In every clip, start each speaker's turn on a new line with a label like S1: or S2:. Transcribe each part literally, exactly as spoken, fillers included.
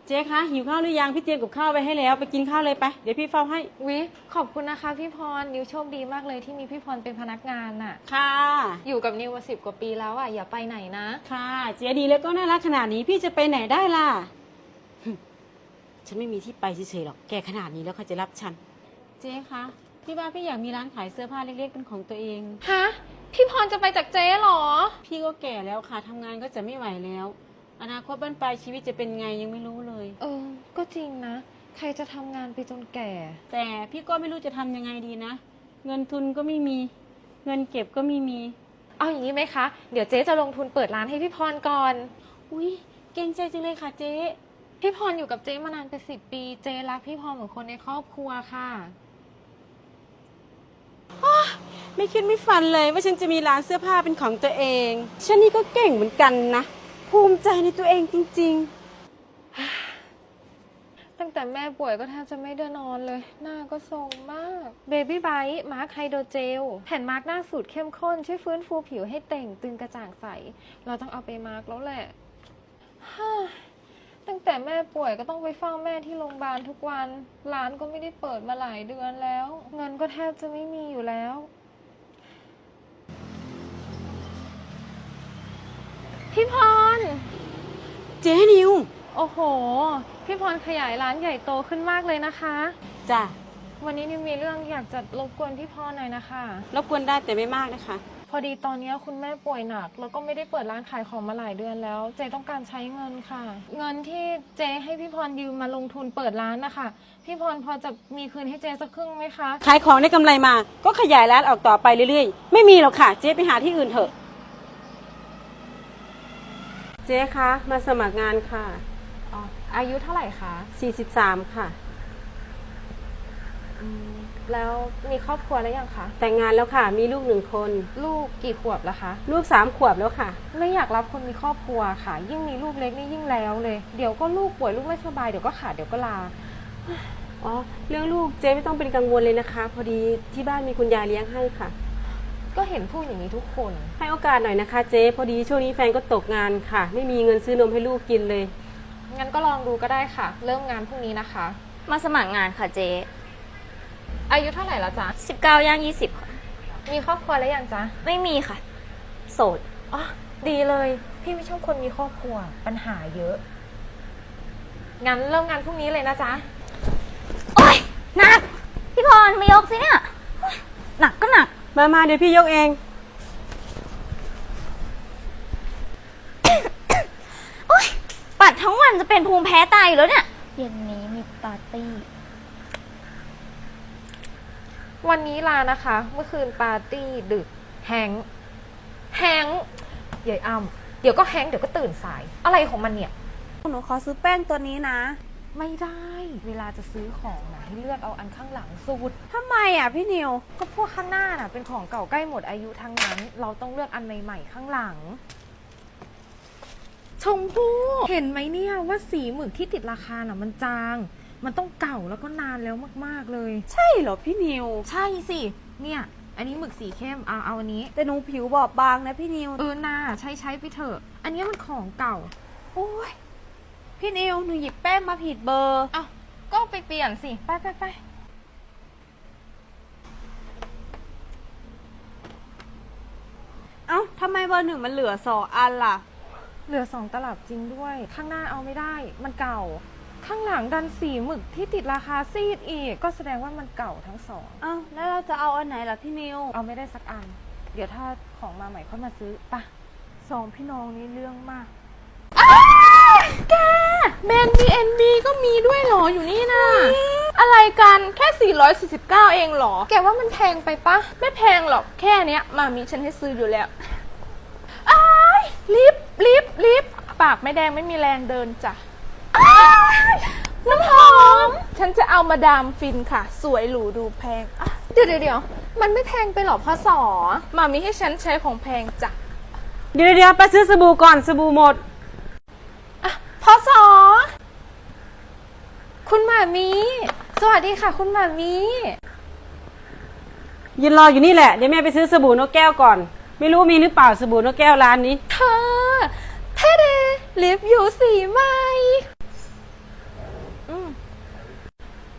S1: เจ๊คะหิวข้าวหรือยังพี่เตรียมกับข้าวไว้ให้แล้วไปกินข้าวเลยไปเดี๋ยวพี่เฝ้าให้
S2: วิขอบคุณนะคะพี่พรนิวโชคดีมากเลยที่มีพี่พรเป็นพนักงานน่ะ
S1: ค่ะ
S2: อยู่กับนิวมาสิบกว่าปีแล้วอ่ะอย่าไปไหนนะ
S1: ค่ะเจ๊ดีแล้วก็น่ารักขนาดนี้พี่จะไปไหนได้ล่ะฉันไม่มีที่ไปเฉยๆหรอกแกขนาดนี้แล้วเขาจะรับฉันเจ๊คะพี่ว่าพี่อยากมีร้านขายเสื้อผ้าเล็กๆเป็นของตัวเอง
S2: ฮะพี่พรจะไปจากเจ๊หรอ
S1: พี่ก็แก่แล้วค่ะทำงานก็จะไม่ไหวแล้วอนาคตบ้านปลายชีวิตจะเป็นไงยังไม่รู้เลย
S2: เออก็จริงนะใครจะทำงานไปจนแก่
S1: แต่พี่ก็ไม่รู้จะทำยังไงดีนะเงินทุนก็ไม่มีเงินเก็บก็ไม่มี
S2: เอาอย่างนี้ไหมคะเดี๋ยวเจ๊จะลงทุนเปิดร้านให้พี่พรก่อน
S1: อุ้ยเก่งใจจังเลยค่ะเจ๊
S2: พี่พรอยู่กับเจ๊มานานเป็นสิบปีเจ๊รักพี่พรเหมือนคนในครอบครัวค่ะ
S1: ไม่คิดไม่ฝันเลยว่าฉันจะมีร้านเสื้อผ้าเป็นของตัวเองฉันนี่ก็เก่งเหมือนกันนะภูมิใจในตัวเองจริง
S2: ๆตั้งแต่แม่ป่วยก็แทบจะไม่ได้นอนเลยหน้าก็ทรงมากเบบี้ไบท์มาร์คไฮโดรเจลแผ่นมาร์คหน้าสูตรเข้มข้นช่วยฟื้นฟูผิวให้เต่งตึงกระจ่างใสเราต้องเอาไปมาร์คแล้วแหละตั้งแต่แม่ป่วยก็ต้องไปเฝ้าแม่ที่โรงพยาบาลทุกวันร้านก็ไม่ได้เปิดมาหลายเดือนแล้วเงินก็แทบจะไม่มีอยู่แล้วพี่พร
S1: เจ๊นิว
S2: โอ้โหพี่พรขยายร้านใหญ่โตขึ้นมากเลยนะคะ
S1: จ้ะ
S2: วันนี้นิวมีเรื่องอยากจะรบกวนพี่พรหน่อยนะคะ
S1: รบกวนได้แต่ไม่มากนะคะ
S2: พอดีตอนนี้คุณแม่ป่วยหนักแล้วก็ไม่ได้เปิดร้านขายของมาหลายเดือนแล้วเจต้องการใช้เงินค่ะเงินที่เจให้พี่พรยืมมาลงทุนเปิดร้านนะคะพี่พรพอจะมีคืนให้เจสักครึ่งไหมคะ
S1: ขายของได้กำไรมาก็ขยายร้านออกต่อไปเรื่อยๆไม่มีหรอกค่ะเจ๊ไปหาที่อื่นเถอะเจ๊คะมาสมัครงานค่ะ
S2: อ๋ออายุเท่าไหร่คะ
S1: สี่สิบสามค่ะ
S2: แล้วมีครอบครัวแล้วยังคะ
S1: แต่งงานแล้วค่ะมีลูกหนึ่งคน
S2: ลูกกี่ขวบแล้วคะ
S1: ลูกสามขวบแล้วค่ะ
S2: ไม่อยากรับคนมีครอบครัวค่ะยิ่งมีลูกเล็กนี่ยิ่งแล้วเลยเดี๋ยวก็ลูกป่วยลูกไม่สบายเดี๋ยวก็ขาดเดี๋ยวก็ลา
S1: อ๋อเรื่องลูกเจ๊ไม่ต้องเป็นกังวลเลยนะคะพอดีที่บ้านมีคุณยายเลี้ยงให้ค่ะ
S2: ก็เห็นพูดอย่างนี้ทุกคน
S1: ให้โอกาสหน่อยนะคะเจ๊พอดีช่วงนี้แฟนก็ตกงานค่ะไม่มีเงินซื้อนมให้ลูกกินเลย
S2: งั้นก็ลองดูก็ได้ค่ะเริ่มงานพรุ่งนี้นะคะ
S3: มาสมัครงานค่ะเจ๊
S2: อายุเท่าไหร่แล้วจ๊ะ
S3: สิบเก้าย่างยี่สิบค่ะ
S2: มีครอบครัวแล้วยังจ๊ะ
S3: ไม่มีค่ะโสด
S2: อ๋อดีเลยพี่ไม่ชอบคนมีครอบครัวปัญหาเยอะงั้นเริ่มงานพรุ่งนี้เลยนะจ๊ะ
S3: โอ๊ยหนักพี่พรมายกสิเนี่ยหนักก็หนัก
S1: มามาเดี๋ยวพี่ยกเอง
S3: โอ๊ยปัดทั้งวันจะเป็นภูมิแพ้ตายอยู่แล้วเนี่ยเย็นนี้มีปาร์ตี้
S2: วันนี้ลานะคะเมื่อคืนปาร์ตี้ดึกแฮงแฮงใหญ่อ้ำเดี๋ยวก็แฮงเดี๋ยวก็ตื่นสายอะไรของมันเนี่ย
S4: หนูขอซื้อแป้งตัวนี้นะ
S2: ไม่ได้เวลาจะซื้อของนะให้เลือกเอาอันข้างหลังสุด
S4: ทำไมอ่ะพี่นิว
S2: ก็พวกข้างหน้าน่ะเป็นของเก่าใกล้หมดอายุทั้งนั้นเราต้องเลือกอันใหม่ๆข้างหลังชมพู่เห็นไหมเนี่ยว่าสีหมึกที่ติดราคาน่ะมันจางมันต้องเก่าแล้วก็นานแล้วมากๆเลย
S4: ใช่เหรอพี่นิว
S2: ใช่สิเนี่ยอันนี้หมึกสีเข้มเอาเอาอันนี้
S4: แต่หนูผิวบอบบางนะพี่นิว
S2: เออน่าใช้ใช้ไปเถอะอันนี้มันของเก่า
S4: โอ้ยพี่นิวหนูหยิบแป้งมาผิดเบอร์
S2: อ้าวก็ไปเปลี่ยนสิไปไปไป
S4: เอ้าทำไมเบอร์หนึ่งมันเหลือสองอันล่ะ
S2: เหลือสองตลับจริงด้วยข้างหน้าเอาไม่ได้มันเก่าข้างหลังดันสีหมึกที่ติดราคาซีดอีกก็แสดงว่ามันเก่าทั้งสอง
S4: อ้าวแล้วเราจะเอาอันไหนล่ะพี่นิว
S2: เอาไม่ได้สักอันเดี๋ยวถ้าของมาใหม่ค่อยมาซื้อปะสองพี่น้องนี้เรื่องมากแกแบรนด์ บี เอ็น บี ก็มีด้วยเหรออยู่นี่นะอะไรกันแค่สี่ร้อยสี่สิบเก้าเองเหรอแกว่ามันแพงไปปะไม่แพงหรอกแค่เนี้ยมามีฉันให้ซื้ออยู่แล้วอ้ายลิฟลิฟลิฟปากไม่แดงไม่มีแรงเดินจ้ะน้ำหอมฉันจะเอามาดามฟินค่ะสวยหรูดูแพงเดี๋ยวเดี๋ยวมันไม่แพงไปหรอพ่อสอมามีให้ฉันใช้ของแพงจ้ะ
S1: เดี๋ยวเดี๋ยวไปซื้อสบู่ก่อนสบู่หมด
S2: อ่ะพ่อสอคุณหมามีสวัสดีค่ะคุณหมามี
S1: ยืนรออยู่นี่แหละเดี๋ยวแม่ไปซื้อสบู่นกแก้วก่อนไม่รู้มีหรือเปล่าสบู่นกแก้วร้านนี้
S2: เธอเท่เดลิฟอยู่สีใหม่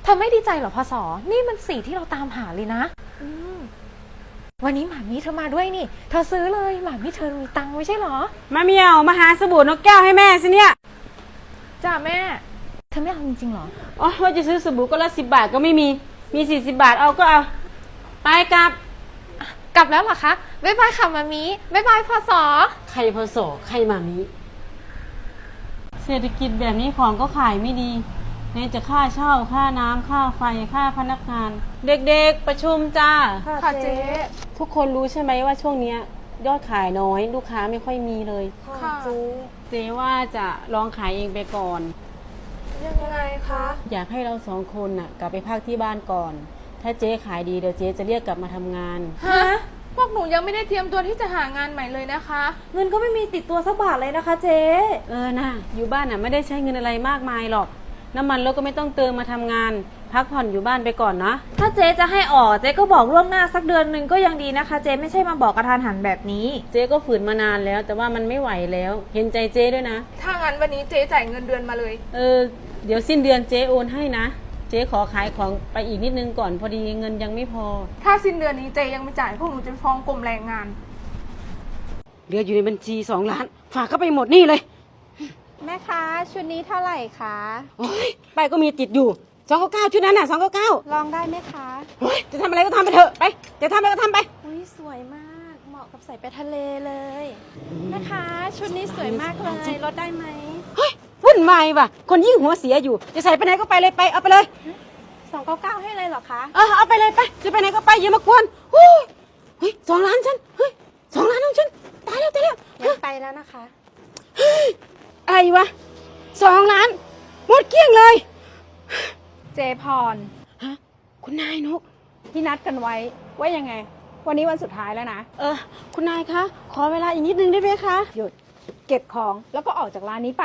S2: ธอไม่ดีใจเหรอพศนี่มันสีที่เราตามหาเลยนะอืมวันนี้หมามีเธอมาด้วยนี่เธอซื้อเลยหมามีเธอมีตังค์ไม่ใช่เหรอ
S1: มาเมียวมาหาสบู่นกแก้วให้แม่สิเนี่ย
S2: จ้าแม่เธอไม่เอาจริงๆเหรอ
S1: อ๋อว่าจะซื้อสบู่ก็ละสิบบาทก็ไม่มีมีสี่สิบบาทเอาก็เอาไปกลับ
S2: กลับแล้วเหรอคะบ๊ายบายค่ะมามีบ๊ายบายพศ
S1: ใครพอสอใครมามีเศรษฐกิจแบบนี้ของก็ขายไม่ดีไหนจะค่าเช่าค่าน้ำค่าไฟค่าพนักงาน เด็กๆประชุมจ้า
S2: ค่ะเจ๊
S1: ทุกคนรู้ใช่ไหมว่าช่วงเนี้ยยอดขายน้อยลูกค้าไม่ค่อยมีเลย
S2: ค่ะเจ๊
S1: เจ๊ว่าจะลองขายเองไปก่อน
S2: ยังไงคะ
S1: อยากให้เราสองคนน่ะกลับไปพักที่บ้านก่อน ถ้าเจ๊ขายดีเดี๋ยวเจ๊จะเรียกกลับมาทำงาน
S2: ฮะพวกหนูยังไม่ได้เตรียมตัวที่จะหางานใหม่เลยนะคะ
S4: เงินก็ไม่มีติดตัวสักบาทเลยนะคะเจ๊
S1: เออนะอยู่บ้านน่ะไม่ได้ใช้เงินอะไรมากมายหรอก น้ำมันรถก็ไม่ต้องเติมมาทำงาน พักผ่อนอยู่บ้านไปก่อนนะ
S4: ถ้าเจ๊จะให้ออกเจ๊ก็บอกล่วงหน้าสักเดือนหนึ่งก็ยังดีนะคะ เจ๊ไม่ใช่มาบอกกระทานหันแบบนี้
S1: เจ๊ก็ฝืนมานานแล้ว แต่ว่ามันไม่ไหวแล้ว เห็นใจเจ๊ด้วยนะ
S2: ถ้างั้นวันนี้เจ๊จ่ายเงินเดือนมาเลย
S1: เออเดี๋ยวสิ้นเดือนเจ๊โอนให้นะ เจ๊ขอขายของไปอีกนิดนึงก่อนพอดีเงินยังไม่พอ
S2: ถ้าสิ้นเดือนนี้เจ๊ยังไม่จ่ายพวกหนูจะฟ้องกรมแรงงาน
S1: เหลืออยู่ในบัญชีสองล้าน ฝากเข้าไปหมดนี่เลย
S4: แม่คะชุดนี้เท่าไหร่คะ
S1: โอ้ยไปก็มีติดอยู่สองเก้าเก้าชุดนั้นน่ะสองเก้าเก้า
S4: ลองได้ไหมคะ
S1: โอ้ยจะทำอะไรก็ทำไปเถอะไปจะทำอะไรก็ทำไป
S4: อุ้ยสวยมากเหมาะกับใส่ไปทะเลเลยแม่คะชุดนี้สวยมากเลยลดได้ไหม
S1: เฮ้ยวุ่นวายว่ะคนยิ่งหัวเสียอยู่จะใส่ไปไหนก็ไปเลยไปเอาไปเลย
S4: สองเก้าเก้าให้เลยเหรอคะ
S1: เออเอาไปเลยไปจะไปไหนก็ไปอย่ามากวนโอ้ยเฮ้ยสองล้านฉันเฮ้ยสองล้านของฉันตายแล้วตายแล้ว
S4: งั้นไปแล้วนะคะ
S1: อะไรวะสองล้านหมดเกลี้ยงเลย
S4: เจพร
S1: ฮะคุณนายนก
S4: ที่นัดกันไว้ว่ายังไง วันนี้วันสุดท้ายแล้วนะ
S1: เออคุณนายคะขอเวลาอีกนิดนึงได้ไหมคะ
S4: หยุดเก็บของแล้วก็ออกจากร้านนี้ไป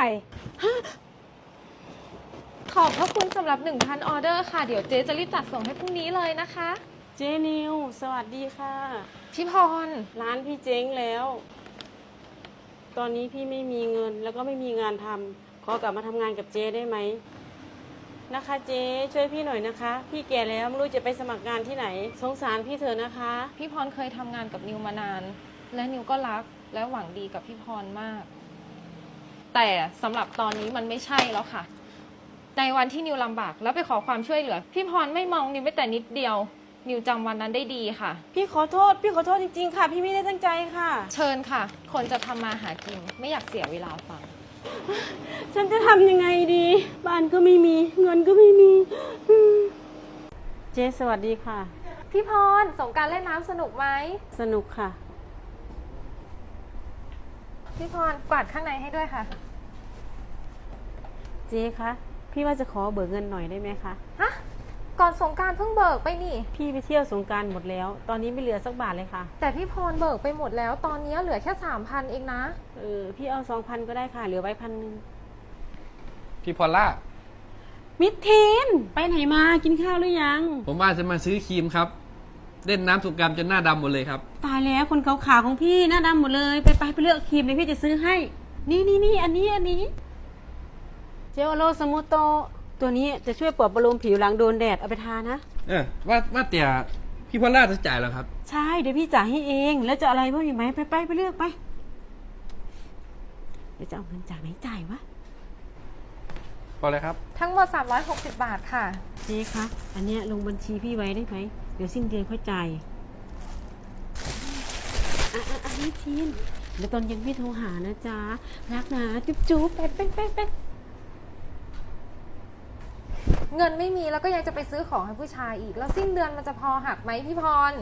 S2: ขอบพระคุณสำหรับ หนึ่งพัน ออเดอร์ค่ะ เดี๋ยวเจ๊จะรีบจัดส่งให้พรุ่งนี้เลยนะคะ
S1: เจนิวสวัสดีค่ะ
S2: พี่พร
S1: ร้านพี่เจ๊งแล้ว ตอนนี้พี่ไม่มีเงินแล้วก็ไม่มีงานทำขอกลับมาทำงานกับเจ๊ได้ไหมนะคะเจ๊ช่วยพี่หน่อยนะคะ พี่แก่แล้วไม่รู้จะไปสมัครงานที่ไหน สงสารพี่เถอะนะคะ
S2: พี่พรเคยทำงานกับนิวมานาน และนิวก็รักและหวังดีกับพี่พรมาก แต่สำหรับตอนนี้มันไม่ใช่แล้วค่ะ ในวันที่นิวลำบากแล้วไปขอความช่วยเหลือ พี่พรไม่มองนิวแม้แต่นิดเดียว นิวจำวันนั้นได้ดีค่ะ
S1: พี่ขอโทษ พี่ขอโทษจริงๆค่ะ พี่ไม่ได้ตั้งใจค่ะ
S2: เชิญค่ะ คนจะทำมาหากินไม่อยากเสียเวลาฟัง
S1: ฉันจะทำยังไงดี บ้านก็ไม่มี เงินก็ไม่มีอืมเจ๊สวัสดีค่ะ
S2: พี่พรสงกรารเล่นน้ำสนุกไหม
S1: สนุกค่ะ
S2: พี่พรกวาดข้างในให้ด้วยค่ะ
S1: เจ๊คะ พี่ว่าจะขอเบิกเงินหน่อยได้ไหมคะ
S2: ฮะ ก่อนสงกรารเพิ่งเบิกไปนี่
S1: พี่ไปเที่ยวสงกรารหมดแล้ว ตอนนี้ไม่เหลือสักบาทเลยค่ะ
S2: แต่พี่พรเบิกไปหมดแล้ว ตอนนี้เหลือแค่สามพันเองนะ
S1: เออ พี่เอาสองพันก็ได้ค่ะ เหลือไว้พันหนึ่ง
S5: พี่พอลล่า
S1: มิดเทน ไปไหนมา กินข้าวหรือยัง
S5: ผมว่าจะมาซื้อครีมครับ เล่นน้ำสงกรานต์จนหน้าดำหมดเลยครับ
S1: ตายแล้วคนขาวๆของพี่หน้าดำหมดเลย ไปไปไปเลือกครีมเลยพี่จะซื้อให้ นี่นี่นี่อันนี้อันนี้ เจลโลสมูโต ตัวนี้จะช่วยปลอบประโลมผิวหลังโดนแดดเอาไปทานะ
S5: เออว่าว่าแต่พี่พอลล่าจะจ่ายแล้วครับ
S1: ใช่ เดี๋ยวพี่จ่ายให้เอง แล้วจะอะไรบ้างอีกไหมไปไปไปเลือกไป เดี๋ยวจะเอาเงินจากไหนจ่ายวะ
S5: พอเลยครับ
S2: ทั้งหมดสามร้อยหกสิบบาทค่ะ
S1: เจ๊คะ อันเนี้ยลงบัญชีพี่ไว้ได้ไหม เดี๋ยวสิ้นเดือนค่อยจ่ายอ่ะอ่ะอันนี้ทีนเดี๋ยวตอนเย็นพี่โทรหานะจ๊ะ รักนะ จุ๊บจุ๊บไปไปไปไป
S2: เงินไม่มีแล้วก็ยังจะไปซื้อของให้ผู้ชายอีก แล้วสิ้นเดือนมันจะพอหักไหมพี่พร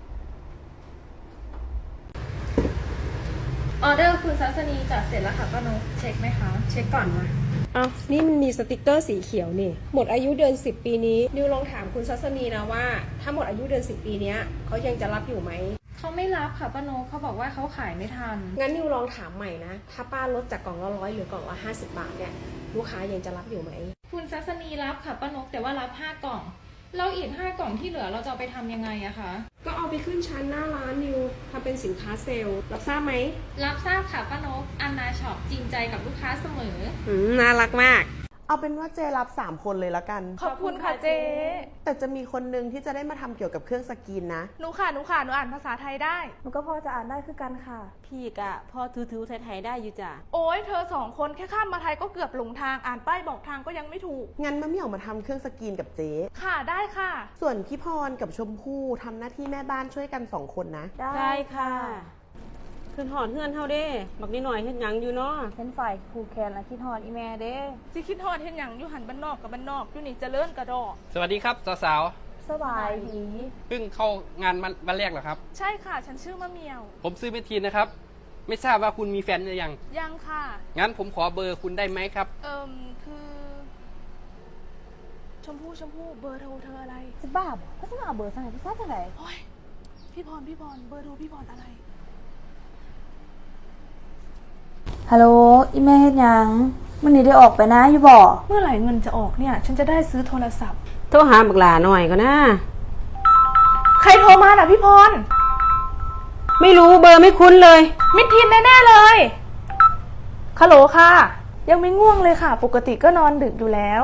S2: ออเดอร์คุณซัสนีจัดเสร็จแล้วค่ะป้านกเช็คไหมคะ
S6: เช็คก่อนมาเอานี่มันมีสติกเกอร์สีเขียวนี่ หมดอายุเดือนสิบปีนี้ นิวลองถามคุณซัสนีนะว่า ถ้าหมดอายุเดือนสิบปีเนี้ยเขายังจะรับอยู่ไหม
S2: เขาไม่รับค่ะป้านกเขาบอกว่าเขาขายไม่ทัน
S6: งั้นนิวลองถามใหม่นะ ถ้าป้าลดจากกล่องละร้อยหรือกล่องละห้าสิบบาทเนี่ย ลูกค้ายังจะรับอยู่ไหม
S2: คุณซัสนีรับค่ะป้านกแต่ว่ารับห้ากล่อง แล้วอีกห้ากล่องที่เหลือเราจะเอาไปทำยังไงอะคะ
S6: ก็เอาไปขึ้นชั้นหน้าร้านนิวทำเป็นสินค้าเซลล์ รับทราบไหม
S2: รับทราบค่ะป้านกอันนาช็อปจริงใจกับลูกค้าเสมอ
S6: อืมน่ารักมาก
S7: เอาเป็นว่าเจรับสามคนเลยละกัน
S2: ขอบคุณค่ะเจ๊
S7: แต่จะมีคนนึงที่จะได้มาทำเกี่ยวกับเครื่องสกรีนนะ
S2: หนูค่ะหนูค่ะหนูอ่านภาษาไทยได้
S3: หนูก็พอจะอ่านได้คือกันค่ะ
S1: พี่กะพอถือๆไทยๆได้อยู่จ้ะ
S2: โอ้ยเธอสองคนแค่ข้ามมาไทยก็เกือบหลงทางอ่านป้ายบอกทางก็ยังไม่ถูก
S7: งั้นมะเหมี่ยวมาทำเครื่องสกรีนกับเจ๊
S2: ค่ะได้ค่ะ
S7: ส่วนพี่พรกับชมพู่ทำหน้าที่แม่บ้านช่วยกันสองคนนะ
S1: ได้ค่ะขึ้นหอดเฮือนเฮาเด้บักนิดหน่อยเฮ็ดหยังอยู่เนาะ
S3: เป็นฝ่ายครูแคนและคิดฮอดอีแม่เด้
S2: สิคิดฮอดเห็นอย่างอยู่หันบ้านนอกกับบ้านนอกอยู่นี่เจริญกระดอก
S5: สวัสดีครับสาว
S3: สบายดี
S5: ๆเพิ่งเข้างานวันวันแรกเหรอครับ
S2: ใช่ค่ะ ฉันชื่อมะเหมียว
S5: ผมซื้อเมทีนนะครับ ไม่ทราบว่าคุณมีแฟนหรือยัง
S2: ยังค่ะ
S5: งั้นผมขอเบอร์คุณได้ไหมครับ
S2: เอิมคือ ชมพู่ชมพู่เบอร์โทรเธออะไร
S3: จะบ้าบ่ก็จะมาเอาเบอร์สั่งให้พี่ซ่าจะไหน
S2: โอ้ยพี่พรพี่พรเบอร์โทรพี่พรอะไร
S3: ฮัลโหลอีแม่เฮ็ดหยังมันนี่ได้ออกไปนะอยู่บ่
S2: เมื่อไหร่เงินจะออกเนี่ย ฉันจะได้ซื้อโทรศัพท์
S1: โทรหาบักหลาหน่อยก็นะ
S2: ใครโทรมาน่ะพี่พร
S1: ไม่รู้เบอร์ไม่คุ้นเลย
S2: มิดทินแน่ๆเลยฮัลโหลค่ะ ยังไม่ง่วงเลยค่ะ ปกติก็นอนดึกอยู่แล้ว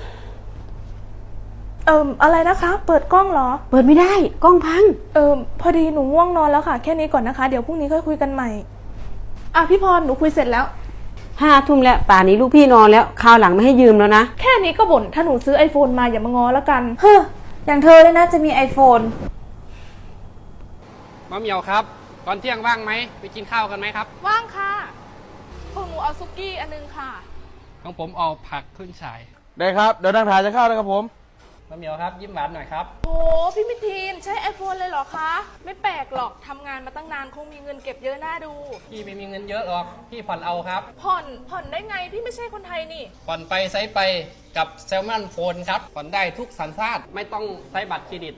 S2: เอิมอะไรนะคะ เปิดกล้องเหรอ
S1: เปิดไม่ได้กล้องพัง
S2: เอิมพอดีหนูง่วงนอนแล้วค่ะ แค่นี้ก่อนนะคะ เดี๋ยวพรุ่งนี้ค่อยคุยกันใหม่ อ่ะพี่พรหนูคุยเสร็จแล้ว
S1: ห้าทุ่มแล้วป่านนี้ลูกพี่นอนแล้วคราวหลังไม่ให้ยืมแล้วนะ
S2: แค่นี้ก็บ่นถ้าหนูซื้อไอโฟนมาอย่ามางอแล้วกัน
S3: เฮ้ออย่างเธอเลยนะจะมี iPhone
S5: มะเหมียวครับ ตอนเที่ยงว่างไหม ไปกินข้าวกันไหมครับ
S2: ว่างค่ะพวกหนูเอาซุกี้อันนึงค่ะ
S5: ของผมเอาผักขึ้นฉาย
S8: ได้ครับ เดี๋ยวนั่งถ่ายจะเข้าแล้วครับผม
S5: มะเหมียวครับ ยิ้มหวานหน่อยครับ
S2: โอ้พี่มิทีนใช้ iPhone เลยเหรอคะ ไม่แปลกหรอกทำงานมาตั้งนานคงมีเงินเก็บเยอะน่าดู
S5: พี่ไม่มีเงินเยอะหรอก พี่ผ่อนเอาครับ
S2: ผ่อนผ่อนได้ไงพี่ไม่ใช่คนไทยนี่
S5: ผ่อนไปใช้ไปกับแซลมอนโฟนครับ ผ่อนได้ทุกสัญชาติ ไม่ต้องใช้บัตรเครดิต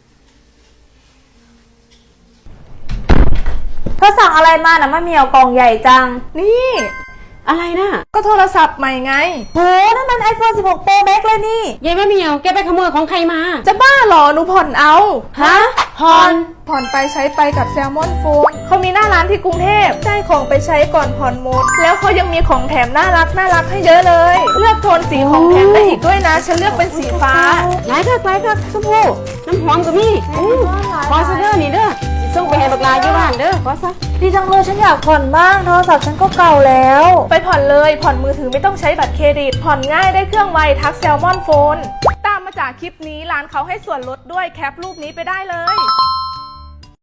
S3: เธอสั่งอะไรมานะมะเหมียวกล่องใหญ่จัง
S2: นี่
S1: อะไรนะ
S2: ก็โทรศัพท์ใหม่ไง
S3: โหนั่นมัน iPhone สิบหก Pro Max เลยนี่
S1: ยายแม่เหมียวแกไปขโมยของใครมา
S2: จะบ้าเหรอหนูผ่อนเอา
S1: ฮะ
S2: ผ่อน ผ่อนไปใช้ไปกับแซลมอนโฟนเขามีหน้าร้านที่กรุงเทพได้ของไปใช้ก่อนผ่อนหมด แล้วเขายังมีของแถมน่ารักน่ารักให้เยอะเลย เลือกโทนสีของแถมได้อีกด้วยนะ ฉันเลือกเป็นสีฟ้า
S1: หลายคักหลายคักชมพู่น้ำหอมก็มีอู้ขอซะเด้อนี่เด้อสิส่งไปให้บักหลาอยู่บ้านเด้อขอซะ
S3: ดีจังเลยฉันอยากผ่อนบ้างโทรศัพท์ฉันก็เก่าแล้ว
S2: ไปผ่อนเลยผ่อนมือถือไม่ต้องใช้บัตรเครดิต ผ่อนง่ายได้เครื่องไวทักแซลมอนโฟนตามมาจากคลิปนี้ร้านเขาให้ส่วนลดด้วยแคปรูปนี้ไปได้เลย